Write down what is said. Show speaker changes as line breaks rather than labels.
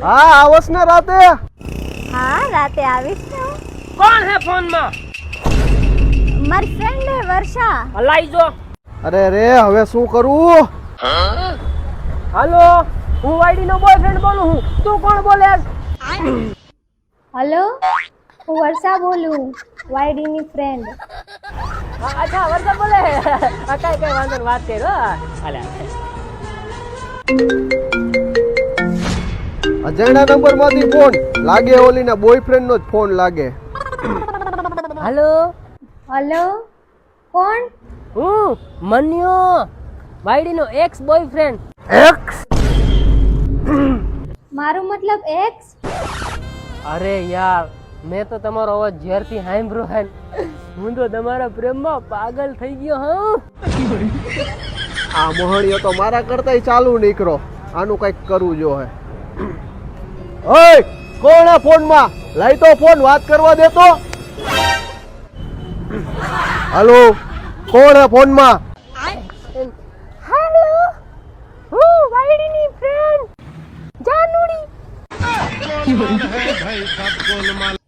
હા આવસ ને રાતે.
હા રાતે આવીશ ને હું.
કોણ હે ફોન માં?
મારી ફ્રેન્ડ હે વર્ષા.
હલાઈ જો.
અરે રે હવે શું કરું?
હાલો, હું વાયડી નો બોયફ્રેન્ડ બોલું હું. તું કોણ બોલે?
હેલો, હું વર્ષા બોલું, વાયડી ની ફ્રેન્ડ.
અચ્છા વર્ષા બોલે. કઈ વાંધો નહીં, વાત કરો. હાલે.
અજયના નંબર માંથી ફોન લાગે, ઓલી ના બોયફ્રેન્ડ નો જ ફોન લાગે.
હાલો,
હેલો, કોણ?
હું મન્યો, વાયડી નો એક્સ બોયફ્રેન્ડ.
એક્સ?
મારું મતલબ એક્સ?
અરે યાર, મેં તો તમારો અવાજ જ્યારથી સાંભળ્યો હે, હું તો તમારા પ્રેમમાં પાગલ થઈ ગયો હા.
આ મોહણીઓ તો મારા કરતાય ચાલુ નીકળો. આનું કઈક કરવું જો હે. ઓય કોણ હે ફોન માં? લઈ તો ફોન, વાત કરવા દેતો. હાલો, કોણ હે ફોન માં?
હેલો, હું વાયડીની ફ્રેન્ડ જાનુડી.